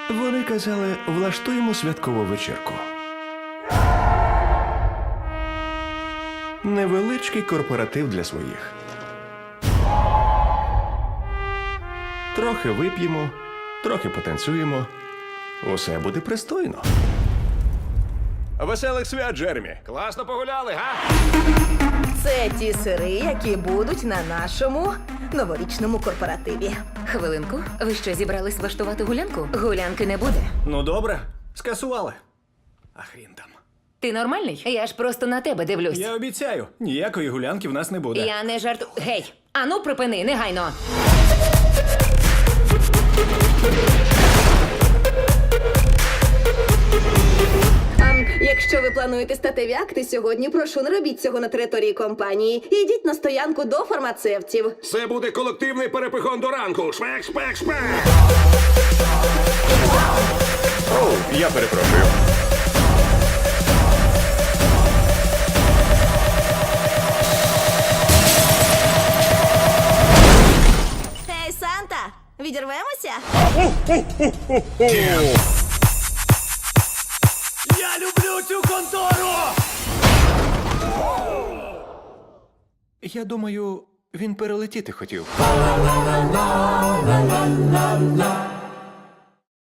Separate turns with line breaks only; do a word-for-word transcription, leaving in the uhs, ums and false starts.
Вони казали, влаштуємо святкову вечірку. Невеличкий корпоратив для своїх. Трохи вип'ємо, трохи потанцюємо. Усе буде пристойно. Веселих свят, Джеремі!
Класно погуляли, га?
Це ті сири, які будуть на нашому новорічному корпоративі.
Хвилинку, ви що, зібрались влаштувати гулянку? Гулянки не буде.
Ну добре, скасували. А хрін там.
Ти нормальний? Я ж просто на тебе дивлюсь.
Я обіцяю, ніякої гулянки в нас не буде.
Я не жарту. Гей! Ану, припини, негайно!
А якщо ви плануєте статеві акти сьогодні, прошу, не робіть цього на території компанії. Ідіть на стоянку до фармацевтів.
Це буде колективний перепихон до ранку. Шпек, шпек, шпек.
Оу, я перепрошую.
Ей, Санта, відірвемося?
Я люблю цю контору!
Я думаю, він перелетіти хотів.